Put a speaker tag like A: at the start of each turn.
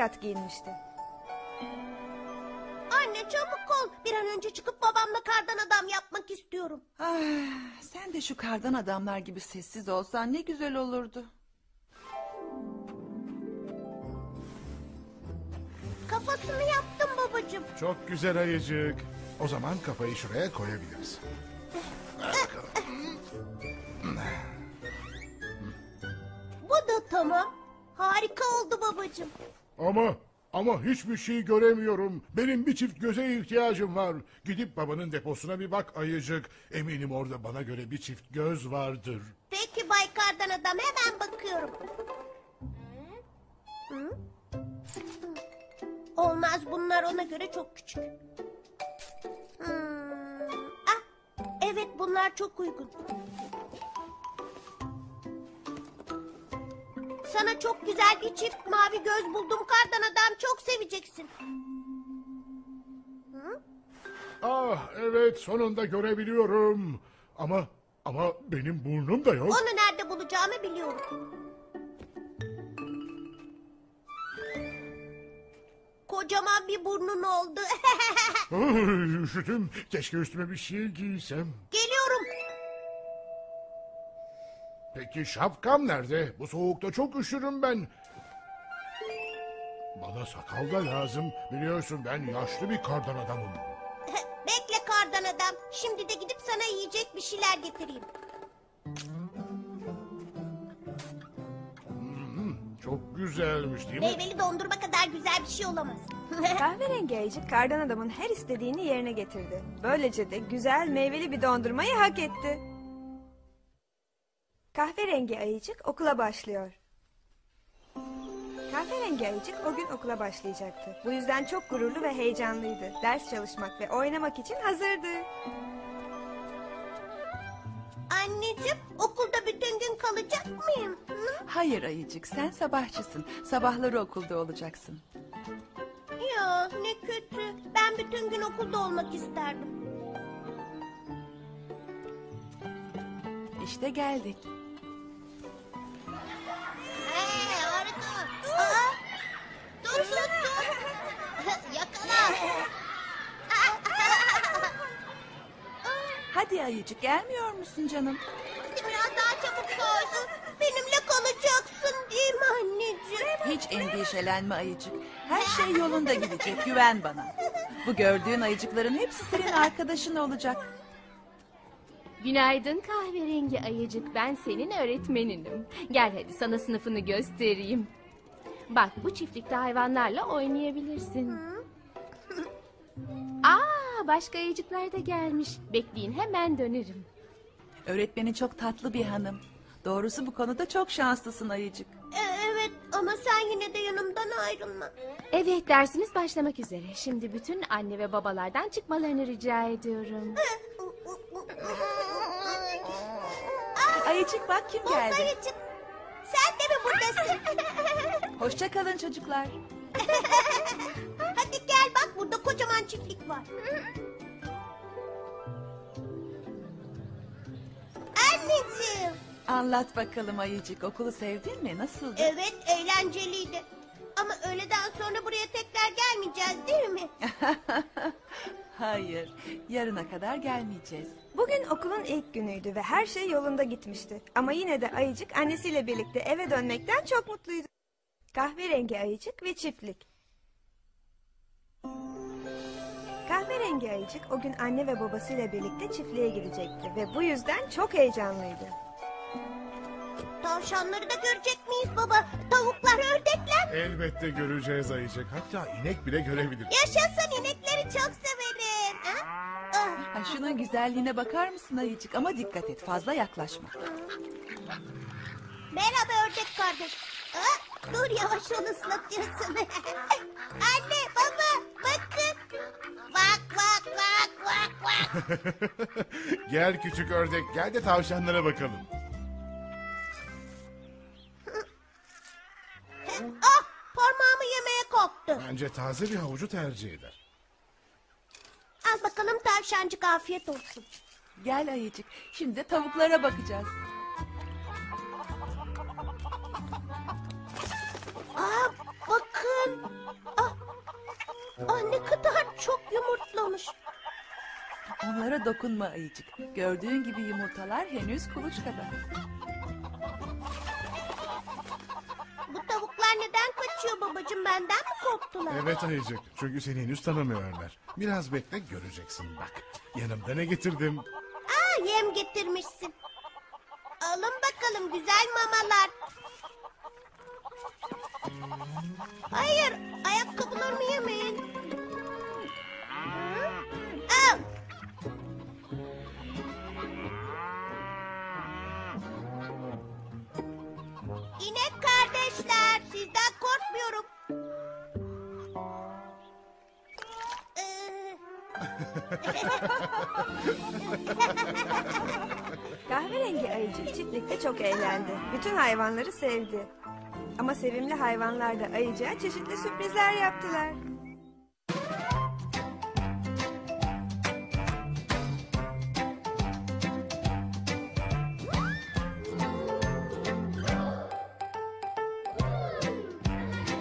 A: kat giyinmişti.
B: Anne çabuk ol. Bir an önce çıkıp babamla kardan adam yapmak istiyorum.
C: Sen de şu kardan adamlar gibi sessiz olsan ne güzel olurdu.
B: Kafasını yaptım babacığım.
D: Çok güzel ayıcık. O zaman kafayı şuraya koyabiliriz. Ver bakalım.
B: Bu da tamam. Harika oldu babacığım.
D: Ama hiçbir şey göremiyorum. Benim bir çift göze ihtiyacım var. Gidip babanın deposuna bir bak ayıcık. Eminim orada bana göre bir çift göz vardır.
B: Peki Bay Kardan Adam, hemen bakıyorum. Hı? Olmaz, bunlar ona göre çok küçük. Evet, bunlar çok uygun. Sana çok güzel bir çift mavi göz buldum Kardan Adam, çok seveceksin.
D: Evet, sonunda görebiliyorum. Ama benim burnum da yok.
B: Onu nerede bulacağımı biliyorum. Kocaman bir burnun oldu.
D: Üşüdüm. Keşke üstüme bir şey giysem.
B: Geliyorum.
D: Peki şapkam nerede? Bu soğukta çok üşürüm ben. Bana sakal da lazım. Biliyorsun ben yaşlı bir kardan adamım.
B: Bekle Kardan Adam. Şimdi de gidip sana yiyecek bir şeyler getireyim.
D: Çok güzelmiş değil mi?
B: Meyveli dondurma kadar güzel bir şey olamaz.
A: Kahverengi ayıcık kardan adamın her istediğini yerine getirdi. Böylece de güzel meyveli bir dondurmayı hak etti. Kahverengi ayıcık okula başlıyor. Kahverengi ayıcık o gün okula başlayacaktı. Bu yüzden çok gururlu ve heyecanlıydı. Ders çalışmak ve oynamak için hazırdı.
B: Anneciğim, okulda bütün gün kalacak mıyım?
C: Hayır ayıcık, sen sabahçısın. Sabahları okulda olacaksın.
B: Ya ne kötü. Ben bütün gün okulda olmak isterdim.
C: İşte geldik.
B: Harika. Dur. Yakala.
C: Hadi ayıcık, gelmiyor musun canım?
B: Biraz daha çabuk koy. Benimle kalacaksın değil mi anneciğim?
C: Hiç endişelenme ayıcık. Her şey yolunda gidecek, güven bana. Bu gördüğün ayıcıkların hepsi senin arkadaşın olacak.
E: Günaydın kahverengi ayıcık, ben senin öğretmeninim. Gel hadi sana sınıfını göstereyim. Bak, bu çiftlikte hayvanlarla oynayabilirsin. Başka ayıcıklar da gelmiş. Bekleyin, hemen dönerim.
C: Öğretmenin çok tatlı bir hanım. Doğrusu bu konuda çok şanslısın ayıcık.
B: Evet ama sen yine de yanımdan ayrılma.
E: Evet, dersimiz başlamak üzere. Şimdi bütün anne ve babalardan çıkmalarını rica ediyorum.
C: Ayıcık bak kim geldi.
B: Ayıcık, sen de mi buradasın?
C: Hoşça kalın çocuklar.
B: Hadi gel bak, burada kocaman çiftlik var. Anneciğim.
C: Anlat bakalım ayıcık, okulu sevdin mi? Nasıldı?
B: Evet, eğlenceliydi. Ama öğleden sonra buraya tekrar gelmeyeceğiz değil mi?
C: Hayır, yarına kadar gelmeyeceğiz.
A: Bugün okulun ilk günüydü ve her şey yolunda gitmişti. Ama yine de ayıcık annesiyle birlikte eve dönmekten çok mutluydu. Kahverengi ayıcık ve çiftlik. Kahverengi ayıcık o gün anne ve babasıyla birlikte çiftliğe gidecekti ve bu yüzden çok heyecanlıydı.
B: Tavşanları da görecek miyiz baba? Tavuklar, ördekler.
D: Elbette göreceğiz ayıcık. Hatta inek bile görebilir.
B: Yaşasın, inekleri çok severim.
C: Ha, şunun güzelliğine bakar mısın ayıcık? Ama dikkat et, fazla yaklaşma.
B: Merhaba ördek kardeş. Dur yavaş, onu ıslatıyorsun. Anne, baba, bakın. Bak.
D: Gel küçük ördek, gel de tavşanlara bakalım.
B: Parmağımı yemeye kalktı.
D: Bence taze bir havucu tercih eder.
B: Al bakalım tavşancık, afiyet olsun.
C: Gel ayıcık, şimdi de tavuklara bakacağız.
B: Bakın. Ne kadar çok yumurtlamış.
C: Onlara dokunma ayıcık. Gördüğün gibi yumurtalar henüz kuluçkada.
B: Bu tavuklar neden kaçıyor babacığım? Benden mi korktular?
D: Evet ayıcık, çünkü seni henüz tanımıyorlar. Biraz bekle, göreceksin bak. Yanımda ne getirdim?
B: Yem getirmişsin. Alın bakalım güzel mamalar. Hayır, ayakkabılarımı yemeyin. Al. İnek kardeşler, sizden korkmuyorum.
A: Kahverengi ayıcık çiftlikte çok eğlendi. Bütün hayvanları sevdi. Ama sevimli hayvanlar da ayıcığa çeşitli sürprizler yaptılar.